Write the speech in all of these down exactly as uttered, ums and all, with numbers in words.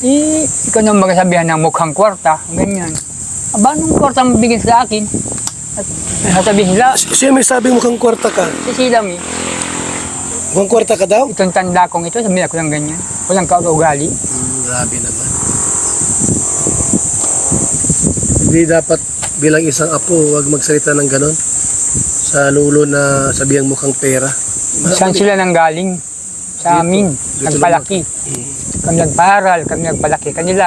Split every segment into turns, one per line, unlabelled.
Eh, ikaw nang magsasabihan ng mukhang kwarta, ganyan. Aba, anong kwarta mo bigyan sa akin? At sasabihin nila,
S- Siya may sabing mukhang kwarta ka.
si Silam eh.
Mukhang kwarta ka daw?
Itong tanda kong ito, sabihin ako ng ganyan. Walang kaugali.
Hmm, grabe naman. Hindi dapat bilang isang apo, huwag magsalita ng ganon. Sa lulo na sabihang mukhang pera.
Saan sila nang galing? Sa
Dito.
amin,
Dito
nagpalaki.
Hmm.
Kami nagparal, kami nagpalaki kanila.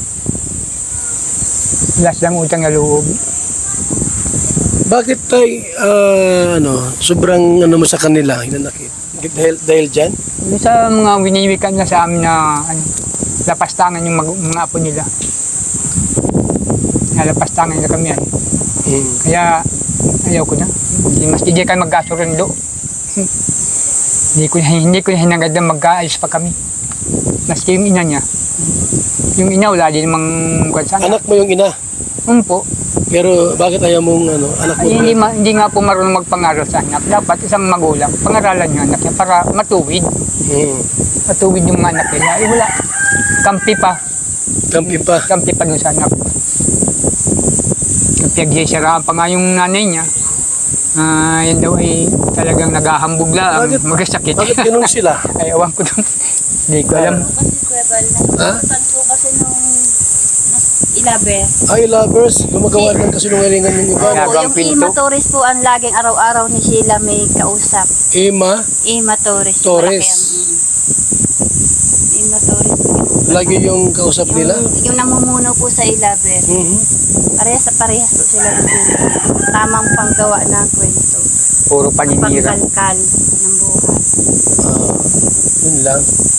Wala silang utang na loob.
Bakit tayo, ah, ano, sobrang ano mo sa kanila, hinanakit? Dahil, dahil dyan?
Yung sa mga winiwikan na sa amin na ano, lapastangan yung mag- mga apo nila. Nalapastangan nila kami ay.
Hmm.
Kaya ayaw ko na. Hindi mas hindi kayo magkasurundo. hindi ko hindi ko hinangad na magkaayos pa kami. Maski yung ina niya. Yung ina wala din namang kwansan.
Anak mo yung ina,
Um po.
pero bakit ayaw mong ano, anak mo?
Ay, hindi, ma, hindi nga po marunong magpangaral sa anak. Dapat isang magulang, pangaralan yung anak niya para matuwid.
Hmm.
Matuwid yung mga anak nila. Eh wala. Kampi pa.
Kampi pa.
Kampi pa dun sa anak. Pinagsisiraan pa nga yung nanay niya. Ah, yan daw ay talagang naghahambog lang.
Bakit?
Magkasakit.
Bakit ganun sila?
Ay, awan ko dun. Hindi ko alam.
Kasi Kuya Bal,
Ha?
nakikita po kasi nung ilabe.
Ay, lovers, gumagawa ng kasinungalingan yung iba.
Kaya-
Opo,
Gagang
yung
pinto.
Ima Torres po ang laging araw-araw ni Sheila may kausap.
Ima,
Ima Torres. yung
Torres.
malaki ang- mm. Ima Torres. po yung-
lagi yung kausap
Yung,
nila.
yung namumuno po sa ilabe.
Mhm.
Parehas sa parehas po sila ng pinto. Tamang panggawa ng kwento.
Puro paninira.
Pangkalkal ng buhay.
Ah, yun lang.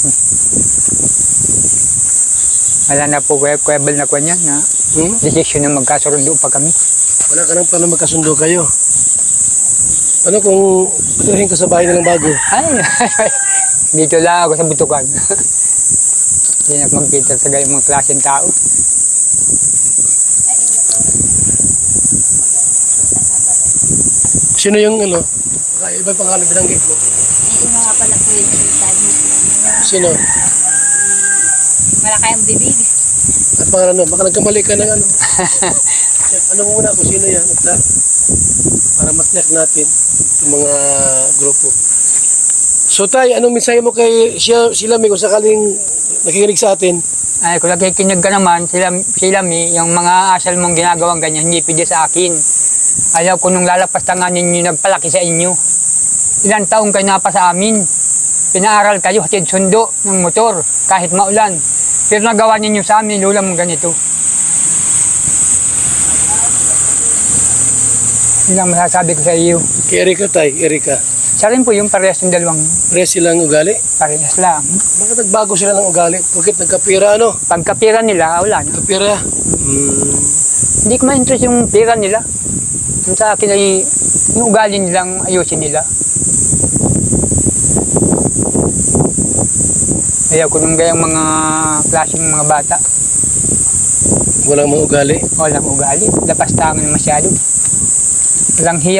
Wala na po kuya, kuya Bal na kanya na
Hmm?
desisyon na magkasurundo pa kami.
Wala ka nang pala magkasundo kayo. Ano kung patuhin ka sa bahay nilang bago?
Ay, dito lang ako sa butukan. Hindi na ako magkita sa gayong mga klaseng tao.
Sino yung ano? Baka iba pangalan binanggit mo.
Yung mga pala po yung sultan.
Sino?
Wala kayong bibig.
At pangalan no? Baka nagkamali ka ng ano. Check, ano muna kung sino yan. At lahat. Para matyak natin itong mga grupo. So tay, anong mensahe mo kay siya, sila may kung sakaling nakikinig sa atin?
Ay, kung nakikinig ka naman, sila, sila mi, yung mga asal mong ginagawang ganyan, hindi pwede sa akin. Ayaw ko nung lalapastangan ninyo nagpalaki sa inyo. Ilang taong kayo napa sa amin. Pinaaral kayo, hatid sundo ng motor, kahit maulan. Pero nagawa ninyo sa amin, lula mong ganito. Yun ang masasabi ko sa iyo.
Kay Erika tay, Erika.
Siya rin po yung parehas ng dalawang
Pare silang ugali?
parehas lang.
Bakit nagbago sila ng ugali? Bakit nagkapira ano?
Pagkapira nila, wala na.
Kapira? Hmm.
Hindi ko ma-interest yung pira nila. Yung sa akin ay yung ugali nilang ayusin nila. Ayaw ko nung gayang mga klaseng mga bata.
Walang mga ugali.
Walang ugali. Lapastangan masyado. Walang hiya.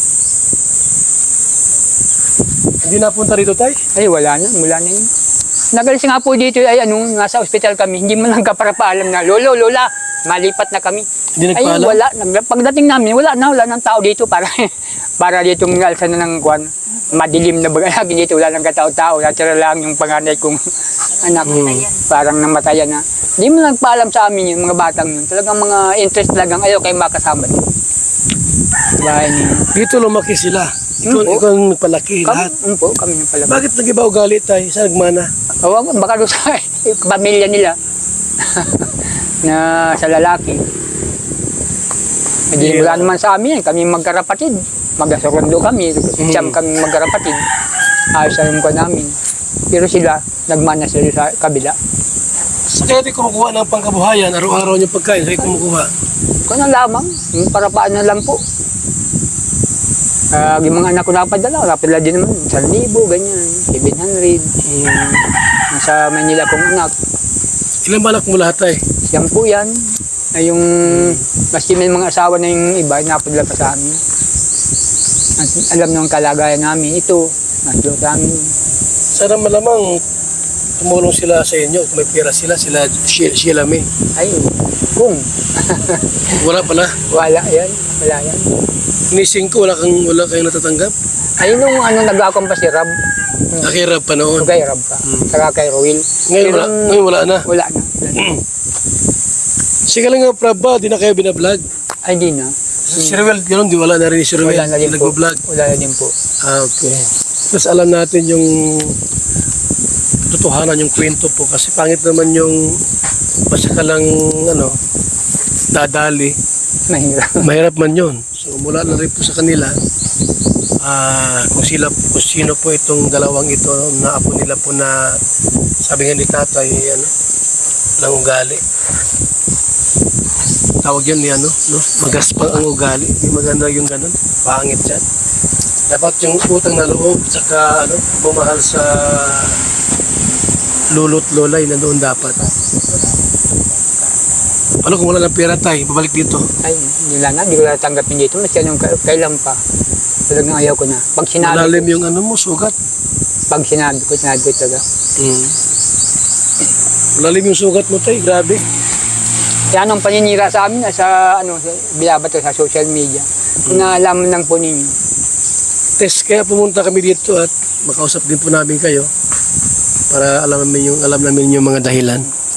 Hindi napunta rito tay?
Ay, wala na. Mula na yun. Nagalis nga po dito ay anong nasa ospital kami. Hindi mo lang ka para paalam na, Lolo, Lola, malipat na kami.
Hindi
Ay,
nagpaalam?
wala. Nag- Pagdating namin, wala na. Wala ng tao dito para para dito ng alsa na ng kwan. Madilim na baga lagi dito. Wala ng katao-tao. Natira lang yung panganay kong anak.
Hmm.
Parang namatayan na. Hindi mo nagpaalam sa amin yung mga batang yun. Talagang mga interest talagang ayaw kayo makasama din. Bahay niyo.
Dito lumaki sila. Ikaw,
Hmm, po.
ikaw ang nagpalaki
Kami,
lahat.
um, po, kami yung pala.
Bakit nag-iba ugali tay? Sa nagmana?
Awa ko, baka doon sa pamilya nila na sa lalaki. Hindi
Yeah.
wala naman sa amin, kami magkarapatid. Magkasurundo kami, siyam kami magkarapatid. Ayos sa yung namin. Pero sila, nagmana sila sa kabila.
Sa kaya tayo kumukuha ng pangkabuhayan, araw-araw niyong pagkain, sa'yo kumukuha.
Kung ano lamang, yung parapaan na lang po. Uh, yung mga anak ko napadala, napadala din naman, one libo, ganyan, seven hundred.
Hmm.
Nasa Manila kong anak.
Ilan ba anak mo lahat tay?
Yan po yan. Ay yung, maski may mga asawa na yung iba, napadala pa sa amin. At alam nung kalagayan namin, ito, naslo sa amin.
Sana malamang tumulong sila sa inyo. Kung may pera sila, sila, Sheila, Sheila May.
Ay, kung.
Wala pala.
Wala yan. Wala yan.
Nising ko, wala, kang, wala kayong natatanggap.
Ay, nung ano, nag-akong pa si Rab.
Nakirap pa noon.
Kay Rab pa. Saka kay Roel.
Ngayon wala,
Pero,
ngayon wala na.
Wala na.
Sige lang nga, Prab ba? Di na kayo binablog.
Ay, di na.
Si Ruel, gano'n, di wala na rin ni si Ruel.
Wala na din po.
Nag-vlog.
Wala na din po.
Ah, okay. Tapos alam natin yung totohanan, yung kwento po. Kasi pangit naman yung basta ka lang, ano, dadali.
Mahirap.
Mahirap man yun. So mula na rin po sa kanila, ah kung sila, kung sino po itong dalawang ito, na apo nila po na, sabi nga ni tatay, ano, lang ugali. Tawag yun ni ano, no? Magaspang ang ugali. Hindi maganda yung ganun. Pangit yan. Dapat yung utang na loob, saka ano, bumahal sa lolo't lola, yun na doon dapat. Ano kung wala ng pera tayo, babalik dito.
Ay, nila na. Hindi ko natanggapin dito. Mas yan yung ka- kailan pa. Talagang ayaw ko na. Pag sinabi
Malalim
ko,
yung ano mo, sugat.
pag sinabi ko, sinabi ko talaga.
Mm. Malalim yung sugat mo tayo, grabe.
Kaya anong paninira sa amin, sa ano, sa, binabato sa social media. Kung naalaman lang po ninyo.
Test, kaya pumunta kami dito at makausap din po namin kayo para alam namin yung, alam namin yung mga dahilan.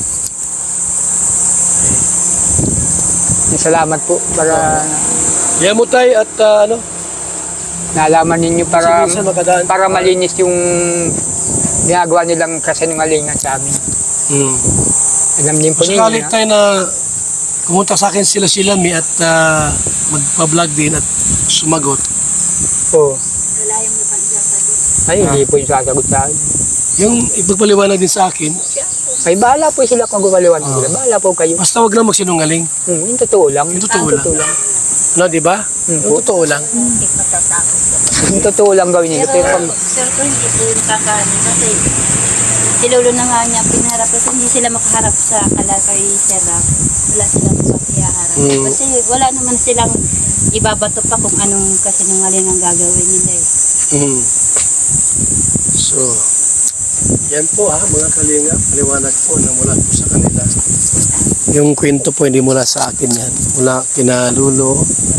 Salamat po para
Kaya mo tayo at ah, ano,
naalaman ninyo para
Kasi minsan makadaan-
para malinis yung ginagawa nilang kasinungalingan sa amin.
mm.
Alam din po ninyo
Sakali
na,
tayo na kumunta sa akin sila sila mi at ah, magpa-vlog din at sumagot.
oh,
Wala yung mapagsasagot.
ay, hindi po yung sasagot sa akin.
Yung ipagpaliwanag din sa akin,
Ay, bahala po sila kung gumaliwan
Ah.
sila. Bahala po kayo.
basta wag lang magsinungaling.
Hmm, yung totoo lang.
Yung totoo lang.
lang.
No, di ba?
Hmm,
Yung
po.
totoo lang.
Hindi matatakot ka.
Yung totoo lang gawin nila. Pero
Pero,
pag,
sir, ko hindi po yung kakaano kasi si Lolo na nga niya pinarap kasi hindi sila makaharap sa kalakay Sir Rap. Wala silang pakiyaharap.
Mm.
Kasi wala naman silang ibabato pa kung anong kasinungaling ang gagawin nila eh.
Mhm. So, yan po ha, mga kalinga, paliwanag po na mula po sa kanila. Yung kwento po hindi mula sa akin yan, mula kina Lulo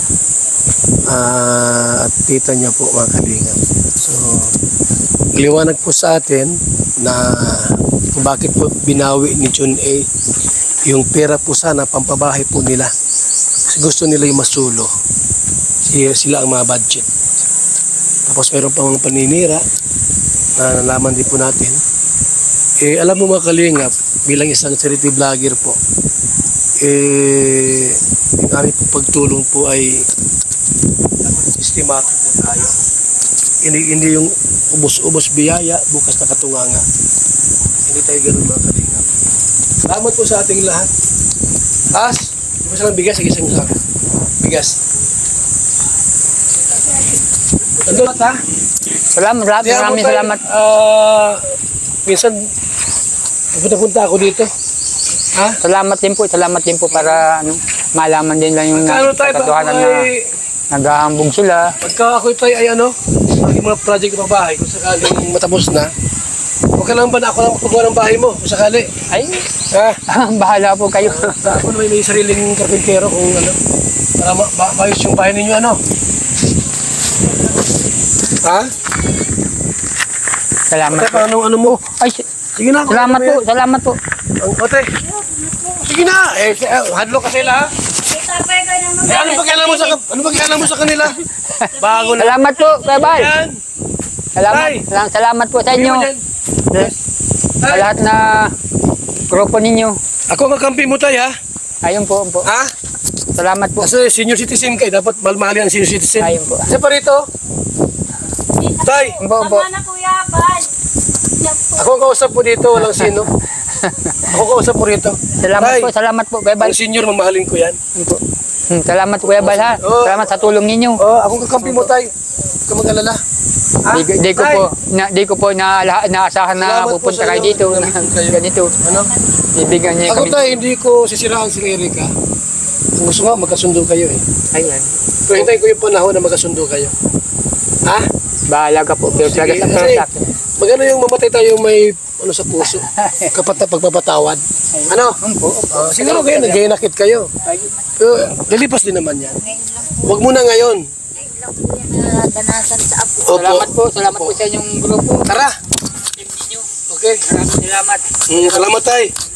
ah, at tita niya po mga kalinga. So, liwanag po sa atin na kung bakit po binawi ni Jun A yung pera po sana pampabahay po nila. Kasi gusto nila yung masulo. Sila, sila ang mga budget. Tapos meron pa mga paninira na nalaman din po natin. Eh, alam mo mga kalingap, bilang isang charity vlogger po, eh, yung aming po pagtulong po ay estimado po tayo. Hindi, hindi yung ubos-ubos biyaya, bukas na katunganga. Hindi tayo ganun mga kalingap. Salamat po sa ating lahat. As, di ba silang bigas? Sige, isang isang bigas. Nandun ha?
salamat, salamat,
Kaya
maraming
mo tayo,
salamat.
ah, minsan, punta-punta ako dito. Ha?
Salamat din po, salamat din po para ano, malaman din lang yung
Kano tayo ba?
katotohanan na
Ay,
naghahambog sila.
pagka ako tayo ay ano, maging mga project ng bahay, kung sakaling matapos na, huwag ka lang ba na ako lang magpagawa ng bahay mo, kung sakali.
Ay,
Ha?
bahala po kayo.
Ako naman may sariling karpintero kung ano, para ma- ma- maayos yung bahay ninyo, ano? Ha?
Salamat
Ate,
po.
paano ano mo?
Ay, s-
Sige na. kung
salamat
ano
po,
yan.
salamat po.
Ang ate. Sige na. Eh, si- eh, hadlo ka sila, ha? Eh, ano ba kailangan mo sa, ano ba kailangan mo sa kanila? Bago na.
Salamat po, Kuya Bal.
Yan.
Salamat,
Tay.
salam- salamat po sa
Sabi
inyo.
mo dyan.
Sa
Tay,
lahat na grupo ninyo.
ako ang kakampi mo tayo, ha?
Ayun po, po.
Ha?
Salamat po.
Kasi senior citizen kayo, dapat malmali ang senior citizen.
Ayun po.
Isa pa rito. Tay,
Ayun po, po.
na Kuya Bal.
ako ang kausap po dito, walang sino. Ako ang kausap po rito.
Salamat
Tay,
po, salamat po, Kuya Bal.
ang senior, mamahalin ko yan.
Ayun po. Hmm, salamat Kuya Bal ha.
Oo.
Salamat sa tulong ninyo.
Oh, ako ang kakampi mo tayo. Huwag ka mag-alala. Ha?
Di, di ko
Tay,
po na, di ko po na naasahan na
Salamat po
pupunta
sa
kayo
inyo.
dito.
Salamat po kayo.
Ganito.
Ano?
Ibigyan niya
Ako
kami.
tayo, hindi ko sisiraan si Erika. Kung gusto nga, magkasundo kayo eh.
Ayan.
Pero hintayin ko yung panahon na magkasundo kayo. Ha?
Bahala ka po. Pero talaga
Sige,
sa pero
kasi-
sa akin.
Maganda yung mamatay tayo may ano sa puso. Kapat pagpapatawad. Ano?
Opo, opo.
Ah, siguro kayo, nag-inakit kayo. Pero lilipas din naman yan.
Ngayon lang po,
Huwag muna ngayon.
ngayon lang po yan na danasan sa apo.
Opo.
Salamat po. Salamat po sa inyong grupo.
Tara.
Team ninyo.
Okay.
Maraming salamat.
Mm, salamat tayo.